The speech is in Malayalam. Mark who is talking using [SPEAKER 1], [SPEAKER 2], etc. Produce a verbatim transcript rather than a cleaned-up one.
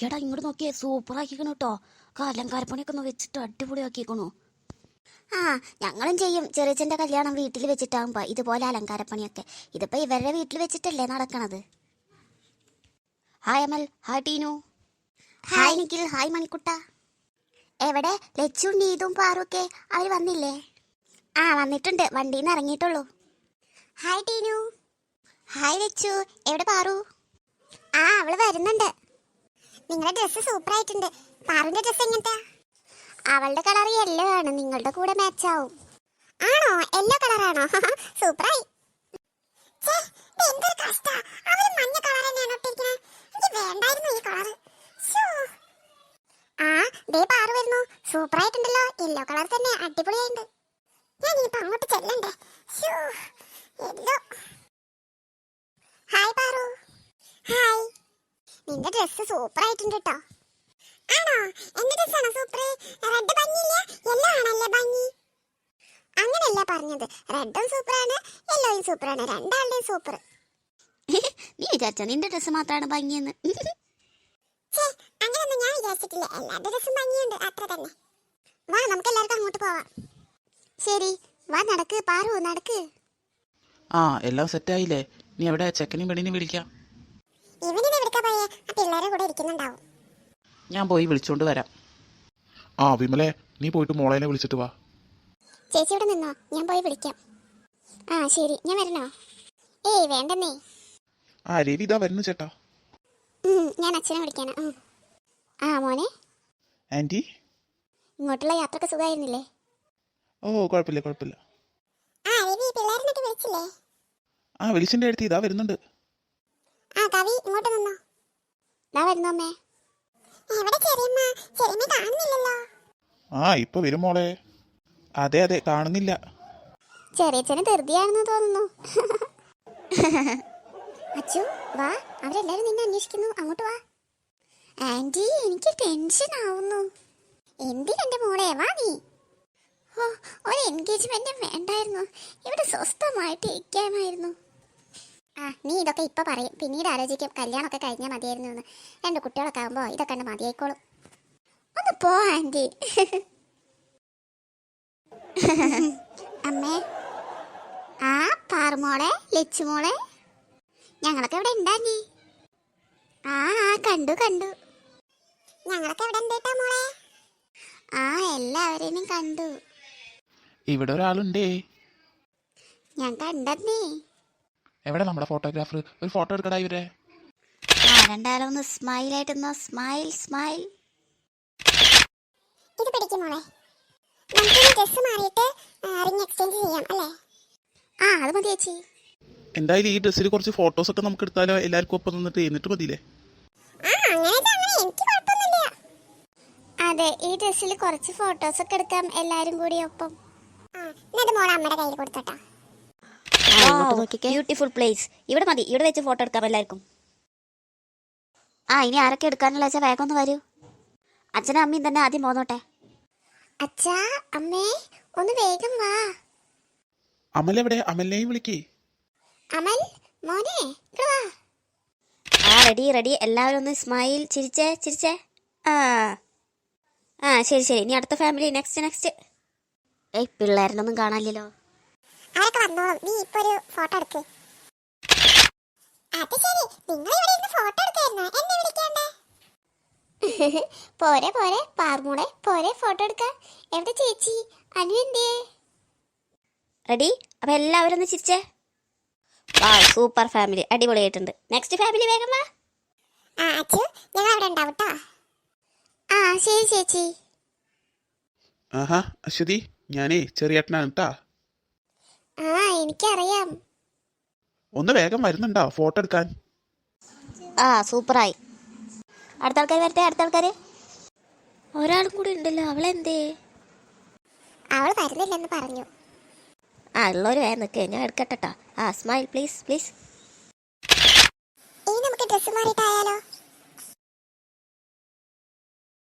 [SPEAKER 1] എടാ ഇങ്ങോട്ട് നോക്കിയേ, സൂപ്പർ ആക്കിക്കണു കേട്ടോ. അലങ്കാരപ്പണിയൊക്കെ ഒന്ന് വെച്ചിട്ട് അടിപൊളിയാക്കിക്കണു. ആ ഞങ്ങളും ചെയ്യും. ചെറിയച്ഛൻ്റെ കല്യാണം വീട്ടിൽ വെച്ചിട്ടാകുമ്പോ ഇതുപോലെ അലങ്കാരപ്പണിയൊക്കെ. ഇതിപ്പോ ഇവരുടെ വീട്ടിൽ വെച്ചിട്ടല്ലേ നടക്കണത്. Hi Amal, hi Teenu, hi Nikhil, hi മണിക്കുട്ട. എവിടെ ലച്ചും നീതും പാറുക്കെ? അവർ വന്നില്ലേ? ആ വന്നിട്ടുണ്ട്, വണ്ടിയിൽ നിന്ന് ഇറങ്ങിയിട്ടുള്ളൂ. Hi Teenu, hi Lachu. എവിടെ പാറു? ആ അവള് വരുന്നുണ്ട്. നിങ്ങളുടെ ഡ്രസ്സ് സൂപ്പർ ആയിട്ടുണ്ട്. പാറുവിന്റെ ഡ്രസ്സ് എങ്ങനത്തെ? അവളുടെ കളർ യെല്ലോ ആണ്, നിങ്ങളുടെ കൂടെ മാച്ച് ആവും. ആണോ? യെല്ലോ കളറാണോ? സൂപ്പറായി. ആ ദേ പാറു വരുന്നു. സൂപ്പർ ആയിട്ടുണ്ടല്ലോ, യെല്ലോ കളർ തന്നെ, അടിപൊളിയായിട്ടുണ്ട്. ഞാൻ ഇനിയിപ്പോ അങ്ങോട്ട് ചെല്ലണ്ടേ? യെല്ലോ. ഹായ് പാറു. ഹായ്. നിന്റെ ഡ്രസ്സ് സൂപ്പർ ആയിട്ടുണ്ട് കേട്ടോ. ആണോ? എന്റെ ഡ്രസ്സാണോ സൂപ്പർ? റെഡ് ഭംഗിയില്ല, യെല്ലോ ആണല്ലേ ഭംഗി. അങ്ങനെയല്ല പറഞ്ഞത്, റെഡും സൂപ്പറാണ്, യെല്ലോയും സൂപ്പറാണ്, രണ്ടാളുടെയും സൂപ്പർ. നീ വിചാരിച്ച നിന്റെ ഡ്രസ്സ് മാത്രമാണ് ഭംഗിയെന്ന്? അങ്ങനെയൊന്നും ഞാൻ വിചാരിച്ചിട്ടില്ല. എല്ലാവരുടെ ഡ്രസ്സും ഭംഗിയുണ്ട്, അത്ര തന്നെ. വാ നമുക്ക് എല്ലാവർക്കും അങ്ങോട്ട് പോവാം. ശരി വാ, നടക്ക് പാറു, നടക്ക്.
[SPEAKER 2] ആ എല്ലാം സെറ്റായില്ലേ? നീ എവിടെ? ചെക്കനെയും പെണ്ണിനെയും വിളിക്കാം.
[SPEAKER 1] ഇവനിത് വിളിക്കാൻ പോയേ, ആ പിള്ളേരെ കൂടെ ഇരിക്കുന്നുണ്ടാവും.
[SPEAKER 2] ഞാൻ പോയി വിളിച്ചോണ്ട് വരാം.
[SPEAKER 3] ആ വിമലെ, നീ പോയിട്ട് മോളേനെ വിളിച്ചിട്ട് വാ.
[SPEAKER 1] ചേച്ചി ഇവിടെ നിന്നോ, ഞാൻ പോയി വിളിക്കാം. ആ ശരി, ഞാൻ വരണോ? ഏയ് വേണ്ടെന്നേ.
[SPEAKER 3] ആ രവി ഇതാ വരുന്നു ചേട്ടാ.
[SPEAKER 1] ഞാൻ അച്ഛനെ വിളിക്കാനാ. ആ മോനെ.
[SPEAKER 3] ആന്റി,
[SPEAKER 1] ഇങ്ങോട്ടുള്ള യാത്രക്ക് സുഖമായിരുന്നില്ലേ?
[SPEAKER 3] ഓ കുഴപ്പമില്ല കുഴപ്പമില്ല.
[SPEAKER 1] ആ രവി പിള്ളേരെ വിളിച്ചില്ലേ?
[SPEAKER 3] ആ വിളിച്ചിന്റെ അടുത്ത് ഇതാ വരുന്നുണ്ട്.
[SPEAKER 1] ആ കവി ഇങ്ങോട്ട് നിന്നോ. ദാ വരുന്നു അമ്മേ. എവിടെ ചെറിയമ്മ? ചെറിയമ്മ കാണുന്നില്ലല്ലോ.
[SPEAKER 3] ആ ഇപ്പൊ വരും മോളെ. അതെ അതെ കാണുന്നില്ല.
[SPEAKER 1] ചെറിയച്ഛന് ധൃതിയാണെന്ന് തോന്നുന്നു. അച്ചു വാ, അവരെല്ലാരും നിന്നെ അന്വേഷിക്കുന്നു, അങ്ങോട്ട് വാ. ആന്റി എനിക്ക് ടെൻഷൻ ആവുന്നു. എന്തിനെന്റെ മോളെ, വാ നീ. ഓ ഒരു എൻഗേജ്മെന്റ് വേണ്ടായിരുന്നു, ഇവിടെ സ്വസ്ഥമായിട്ട് ഇരിക്കാമായിരുന്നു. ആ നീ ഇതൊക്കെ ഇപ്പൊ പറയും, പിന്നീട് ആലോചിക്കും കല്യാണമൊക്കെ കഴിഞ്ഞാൽ മതിയായിരുന്നു എന്ന്. രണ്ട് കുട്ടികളൊക്കെ ആകുമ്പോ ഇതൊക്കെ കണ്ട് മതിയായിക്കോളും. ഒന്ന് പോ ആന്റി. അമ്മേ. ആ പാറുമോളെ, ലച്ചുമോളെ, ഞങ്ങളൊക്കെ ഇവിടെ ഉണ്ടാഞ്ഞി. ആ ആ കണ്ടു കണ്ടു. ഞങ്ങളൊക്കെ ഇവിടെ ഉണ്ടേട്ടാ മോളെ. ആ എല്ലാവരെയും കണ്ടു.
[SPEAKER 2] ഇവിടെ ഒരാളുണ്ടേ.
[SPEAKER 1] ഞാൻ കണ്ടേ.
[SPEAKER 2] എവിടെ നമ്മുടെ ഫോട്ടോഗ്രാഫർ? ഒരു ഫോട്ടോ എടുക്കടാ ഇവരെ.
[SPEAKER 1] ആ രണ്ടാലും ഒന്ന് സ്മൈൽ ആയിട്ടൊന്ന് സ്മൈൽ സ്മൈൽ. ഇത് പിടിക്കും മോളെ. നമുക്ക് ഡ്രസ് മാറിയിട്ട് റിംഗ് എക്സ്ചേഞ്ച് ചെയ്യാം അല്ലേ? ആ അത് മതി ചേച്ചി.
[SPEAKER 2] എന്തായാലും ഈ ഡ്രസ്സിൽ കുറച്ച് ഫോട്ടോസ് ഒക്കെ നമുക്ക് എടുത്താലോ? എല്ലാവർക്കും ഒപ്പം നിന്നിട്ട് എന്നിട്ട് മതിയില്ലേ?
[SPEAKER 1] അതെ, ഈ ഡ്രസ്സിൽ കുറച്ച് ഫോട്ടോസ് ഒക്കെ എടുക്കാം എല്ലാരും കൂടി ഒപ്പം. Beautiful place. ഇവിടെ മതി, ഇവിടെ വെച്ച് ഫോട്ടോ എടുക്കാം എല്ലാവർക്കും. ആ ഇനി ആരൊക്കെ എടുക്കാനുള്ള വെച്ചാൽ വേഗം ഒന്ന് വരൂ. അച്ഛനും അമ്മയും തന്നെ ആദ്യം പോന്നോട്ടെ. അച്ഛാ അമ്മേ ഒന്ന് വേഗം വാ.
[SPEAKER 2] അമൽ എവിടെ? അമലിനെയും വിളിക്കേ.
[SPEAKER 1] അമൽ മോനെ വാ. ആ റെഡി റെഡി, എല്ലാവരും ഒന്ന് സ്മൈൽ, ചിരിച്ചേ ചിരിച്ചേ. ആ ആ ശരി ശരി, ഇനി അടുത്ത ഫാമിലി, നെക്സ്റ്റ് നെക്സ്റ്റ്. ഏയ് പിള്ളേരനൊന്നും കാണാനില്ലല്ലോ. അവരൊക്കെ വന്നോളും, നീ ഇപ്പൊ ഒരു ഫോട്ടോ എടുക്ക്. അത് ശരി, നിങ്ങൾ ഇവിടെ ഇരുന്ന് ഫോട്ടോ എടുക്കായിരുന്നോ? എന്നെ വിളിക്കണ്ടേ? പോരെ പോരെ പാർമോളെ, പോരെ ഫോട്ടോ എടുക്കാൻ. എവിടെ ചേച്ചി അനു എന്തേ? റെഡി, അപ്പൊ എല്ലാവരും ഒന്ന് ചിരിച്ചേ. വാ സൂപ്പർ ഫാമിലി, അടിപൊളിയായിട്ടുണ്ട്. നെക്സ്റ്റ് ഫാമിലി വേഗം വാ. ആ അച്ചു ഞങ്ങൾ അവിടെ ഉണ്ടാവും ട്ടോ. ആ ശരി ചേച്ചി.
[SPEAKER 2] ആഹാ അശ്വതി, ഞാനേ ചെറിയേട്ടനാണ് കേട്ടാ.
[SPEAKER 1] ആ എനിക്കറിയാം.
[SPEAKER 2] ഒന്ന് വേഗം വരുന്നുണ്ടോ ഫോട്ടോ എടുക്കാൻ?
[SPEAKER 1] ആ സൂപ്പറായി. അടുത്ത ആൾക്കാർ വരട്ടെ, അടുത്ത ആൾക്കാര്. ഒരാളും കൂടി ഉണ്ടല്ലോ, അവളെന്തേ? അവൾ വരുന്നില്ലെന്ന് പറഞ്ഞു. ആ ഉള്ളവര് വേഗം നിൽക്കേ, ഞാൻ എടുക്കട്ടെട്ടോ. ആ സ്മൈൽ പ്ലീസ് പ്ലീസ്. ഇനി നമുക്ക് ഡ്രസ്സ് മാറിയിട്ടായാലോ?